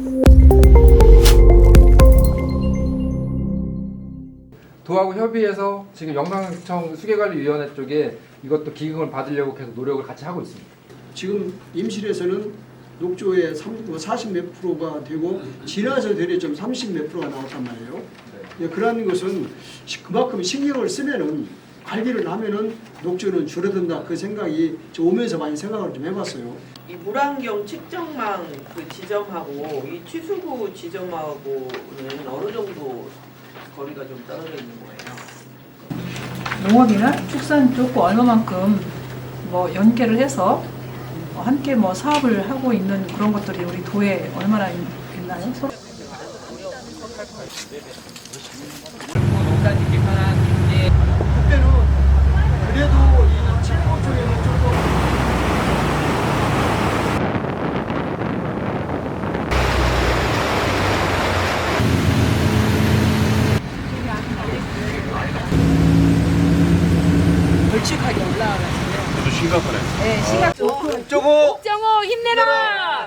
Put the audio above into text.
도하고 협의해서 지금 영광청 수계관리위원회 쪽에 이것도 기금을 받으려고 계속 노력을 같이 하고 있습니다. 지금 임실에서는 녹조의 40 몇 프로가 되고 진화에서 대략 30 몇 프로가 나왔단 말이에요. 네, 그런 것은 그만큼 신경을 쓰면은 관리를 하면은 녹조는 줄어든다 그 생각이 저 오면서 많이 생각을 좀 해봤어요. 이 물안경 측정망 그 지점하고 이 취수구 지점하고는 어느 정도 거리가 좀 떨어져 있는 거예요? 농업이나 축산 쪽 얼마만큼 뭐 연계를 해서 함께 뭐 사업을 하고 있는 그런 것들이 우리 도에 얼마나 있나요? 그때는 그래도 이 칠곡 쪽에는 조금 걸쭉하게 올라와가지고. 아주 심각하네. 네, 심각. 옥정호 옥정호 힘내라!